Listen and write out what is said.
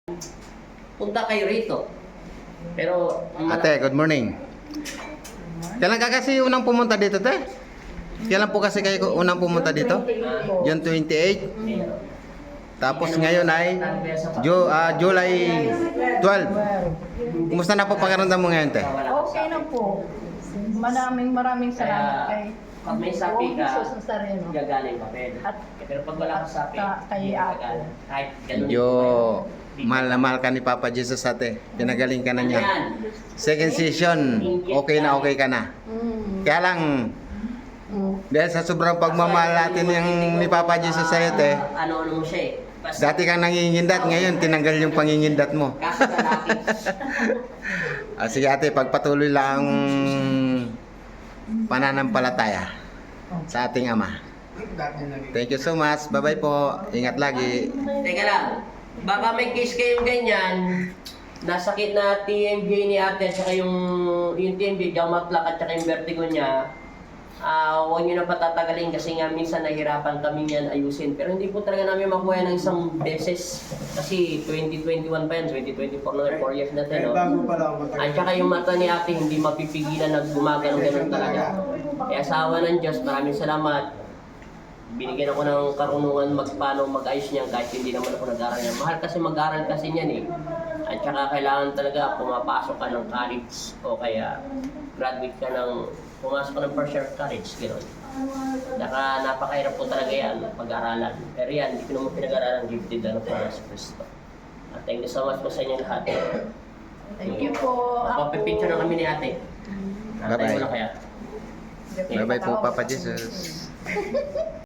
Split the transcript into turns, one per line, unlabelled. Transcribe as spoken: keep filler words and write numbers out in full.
punta kayo rito. Pero,
Ate, good morning. Kailan ka kasi unang pumunta dito, te? Kailan po kasi kayo unang pumunta dito? June twenty-eight. Tapos ngayon ay Ju ah, July twelve. Kumusta na po pakiramdam mo ngayon, te?
Okay na po. Maraming maraming salamat kay
pag may sapi ka,
Jesus Nazareno.
gagaling papel.
At
Pero pag wala kang sapi,
ka- kay
hindi
Ate.
gagana. Kahit ganun.
Medyo mahal na mahal ka ni Papa Jesus, ate. Pinagaling ka na niya.
Yan.
Second session, okay na okay ka na.
Mm,
Kaya lang,
mm.
dahil sa sobrang pagmamahal natin yung ni Papa Jesus sa'yo, te,
Ah, ano-ano mo siya eh. Basta,
dati kang nangingindat, ngayon tinanggal yung pangingindat mo.
kaso lalaki.
Ah, sige ate, pagpatuloy lang ang pananampalataya sa ating Ama. Thank you so much. Bye-bye po. Ingat lagi.
Teka lang, baka may case kayong ganyan, nasakit na T M J ni ate, saka yung, yung T M J, jaw plaque at saka yung vertigo niya, ah huwag nyo na patatagalin kasi nga minsan nahirapan kami yan ayusin. Pero hindi po talaga namin makuha ng isang beses kasi twenty twenty-one pa yan, twenty twenty-four na, four years na tayo. No? At saka yung mata ni ate hindi mapipigilan na gumagano ganun talaga. Kaya sa awa ng Diyos, maraming salamat. Binigyan ako ng karunungan magpaano mag-ayos niyan kahit hindi naman ako nag-aral niyan. Mahal kasi mag-aral kasi niyan eh. At saka kailangan talaga pumapasok ka ng college o kaya graduate ka ng, pumasok ka ng first year college, gano'n. Saka napakahirap po talaga yan, pag-aralan. Pero yan, hindi ko naman pinag-aralan, gifted na po na sa Kristo. At thank you so much po sa inyo lahat.
Thank you po.
Papapipicture na kami ni ate.
Bye-bye.
Tayo mo na kaya.
Bye-bye po, Papa Jesus.